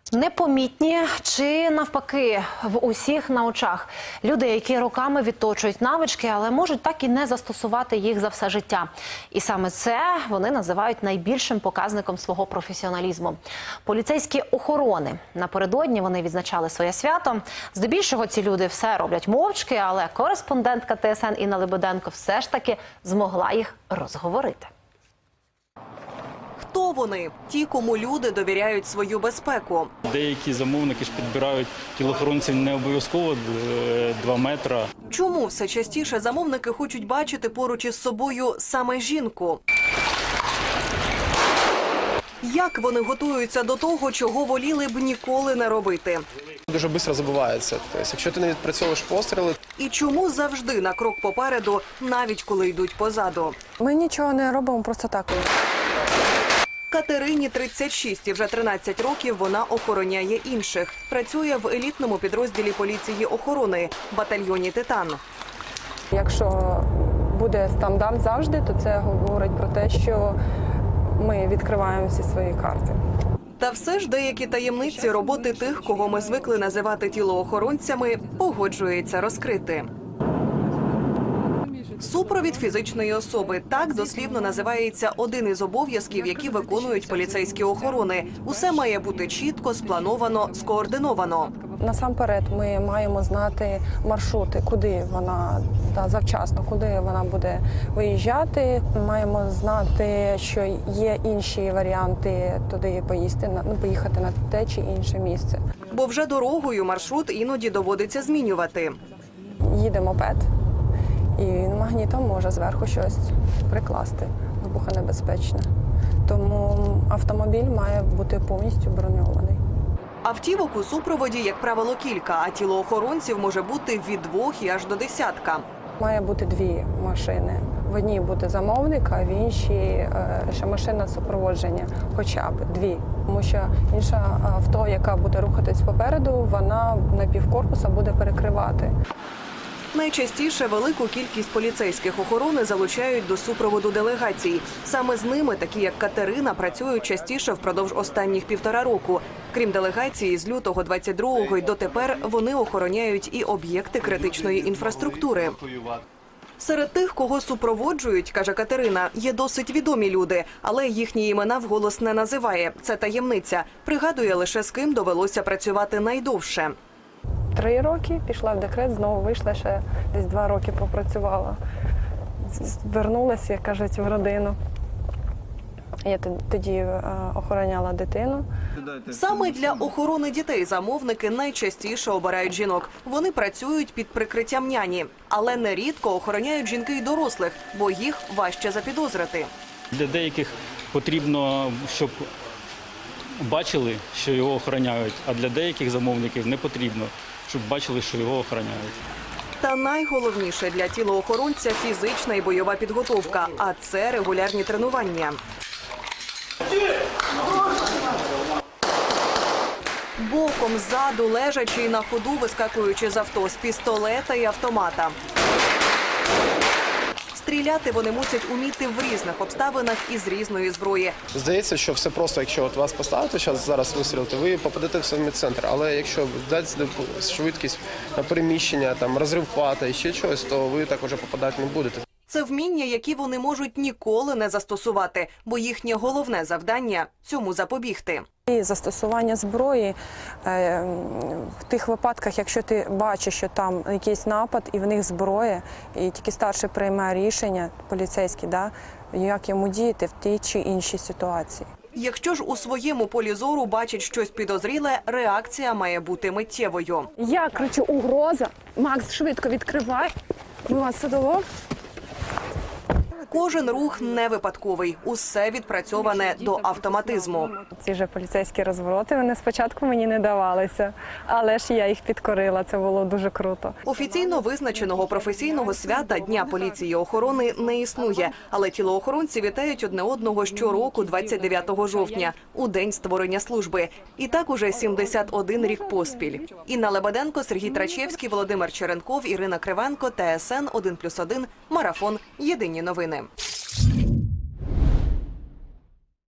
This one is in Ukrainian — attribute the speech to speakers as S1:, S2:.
S1: Непомітні чи навпаки в усіх на очах. Люди, які роками відточують навички, але можуть так і не застосувати їх за все життя. І саме це вони називають найбільшим показником свого професіоналізму. Поліцейські охорони. Напередодні вони відзначали своє свято. Здебільшого ці люди все роблять мовчки, але кореспондентка ТСН Інна Лебеденко все ж таки змогла їх розговорити.
S2: Хто вони? Ті, кому люди довіряють свою безпеку.
S3: Деякі замовники ж підбирають тілоохоронців не обов'язково 2 метри.
S2: Чому все частіше замовники хочуть бачити поруч із собою саме жінку? Як вони готуються до того, чого воліли б ніколи не робити?
S4: Дуже швидко забувається. Тобто, якщо ти не відпрацьовуєш постріли.
S2: І чому завжди на крок попереду, навіть коли йдуть позаду?
S5: Ми нічого не робимо просто так.
S2: Катерині 36 і вже 13 років вона охороняє інших. Працює в елітному підрозділі поліції охорони – батальйоні «Титан».
S5: Якщо буде стандарт завжди, то це говорить про те, що ми відкриваємо всі свої карти.
S2: Та все ж деякі таємниці роботи тих, кого ми звикли називати тілоохоронцями, погоджується розкрити. Супровід фізичної особи – так дослівно називається один із обов'язків, які виконують поліцейські охорони. Усе має бути чітко, сплановано, скоординовано.
S5: Насамперед ми маємо знати маршрути, куди вона, завчасно, куди вона буде виїжджати. Маємо знати, що є інші варіанти туди поїхати на те чи інше місце.
S2: Бо вже дорогою маршрут іноді доводиться змінювати.
S5: Їде мопед. І магнітом може зверху щось прикласти, вибухонебезпечне. Тому автомобіль має бути повністю броньований.
S2: Автівок у супроводі, як правило, кілька, а тілоохоронців може бути від 2 і аж до 10.
S5: Має бути 2 машини. В одній буде замовник, а в іншій ще машина супроводження, хоча б 2. Тому що інша авто, яка буде рухатись попереду, вона на півкорпуса буде перекривати.
S2: Найчастіше велику кількість поліцейських охорони залучають до супроводу делегацій. Саме з ними, такі як Катерина, працюють частіше впродовж останніх 1,5 року. Крім делегації, з лютого 22-го й дотепер вони охороняють і об'єкти критичної інфраструктури. Серед тих, кого супроводжують, каже Катерина, є досить відомі люди, але їхні імена вголос не називає. Це таємниця. Пригадує лише, з ким довелося працювати найдовше.
S5: 3 роки, пішла в декрет, знову вийшла, ще десь 2 роки попрацювала. Вернулася, як кажуть, в родину. Я тоді охороняла дитину.
S2: Саме для охорони дітей замовники найчастіше обирають жінок. Вони працюють під прикриттям няні, але нерідко охороняють жінки й дорослих, бо їх важче запідозрити.
S3: Для деяких потрібно, щоб бачили, що його охороняють, а для деяких замовників не потрібно, щоб бачили, що його охороняють.
S2: Та найголовніше для тілоохоронця – фізична і бойова підготовка, а це регулярні тренування. Боком, ззаду, лежачи і на ходу, вискакуючи з авто, з пістолета і автомата. Стріляти вони мусять уміти в різних обставинах і з різної зброї.
S4: Здається, що все просто, якщо вас поставити, зараз вистрілити, ви попадете в самий центр. Але якщо дати швидкість на переміщення, розрив пата і ще щось, то ви так уже попадати не будете.
S2: Це вміння, які вони можуть ніколи не застосувати, бо їхнє головне завдання – цьому запобігти.
S5: І застосування зброї в тих випадках, якщо ти бачиш, що там якийсь напад і в них зброя, і тільки старший приймає рішення, поліцейський, як йому діяти в тій чи іншій ситуації.
S2: Якщо ж у своєму полі зору бачить щось підозріле, реакція має бути миттєвою.
S5: Я кричу: угроза! Макс, швидко відкривай! Ми вас садово.
S2: Кожен рух не випадковий, усе відпрацьоване до автоматизму.
S5: Ці ж поліцейські розвороти, вони спочатку мені не давалися, але ж я їх підкорила, це було дуже круто.
S2: Офіційно визначеного професійного свята Дня поліції охорони не існує, але тілоохоронці вітають одне одного щороку 29 жовтня, у день створення служби. І так уже 71 рік поспіль. Інна Лебеденко, Сергій Трачевський, Володимир Черенков, Ірина Кривенко, ТСН 1+1, Марафон. Єдині новини.